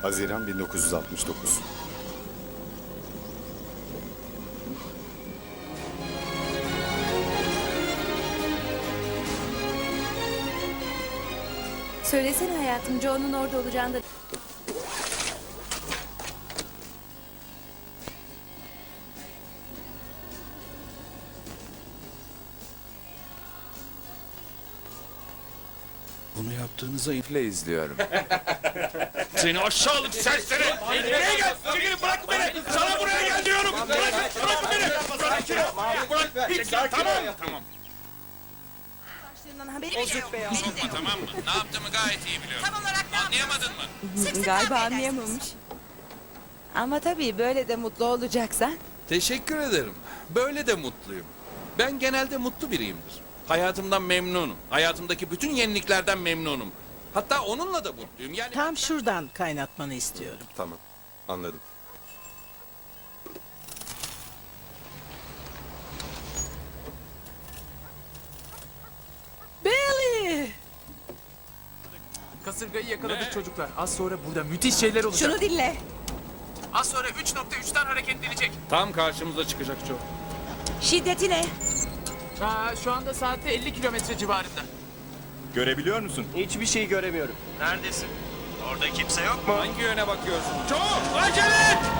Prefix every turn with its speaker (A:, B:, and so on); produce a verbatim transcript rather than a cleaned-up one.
A: Haziran bin dokuz yüz altmış dokuz.
B: Söylesene hayatım, Joe'nun orada olacağını da...
C: Bunu yaptığınıza ifle izliyorum.
D: Seni aşağılık serseri! Buraya gel! Çekilin, bırak beni! Sana buraya gel diyorum! Bırak, bırak beni! Bırak, bırak! Hiç tamam, tamam.
B: Başlarından haberi bile yok.
E: Sokma, tamam mı? Ne yaptığımı gayet iyi biliyorum.
B: Tam olarak ne
E: Anlayamadın mı?
B: Sık sık
F: Galiba
B: kahve
F: anlayamamış. Ama tabii böyle de mutlu olacaksan.
C: Teşekkür ederim. Böyle de mutluyum. Ben genelde mutlu biriyimdir. Hayatımdan memnunum. Hayatımdaki bütün yeniliklerden memnunum. Hatta onunla da mutluyum. Yani
G: Tam şuradan kaynatmanı istiyorum.
A: Tamam, anladım.
G: Billy!
H: Kasırgayı yakaladık çocuklar. Az sonra burada müthiş şeyler olacak.
F: Şunu dinle.
H: Az sonra üç nokta üçten hareketlenecek.
D: Tam karşımıza çıkacak Joe.
F: Şiddeti ne?
H: Aa, şu anda saatte elli kilometre civarında.
A: Görebiliyor musun?
I: Hiçbir şey göremiyorum. Neredesin? Orada kimse yok mu?
D: Hangi yöne bakıyorsun? Joe, acele et!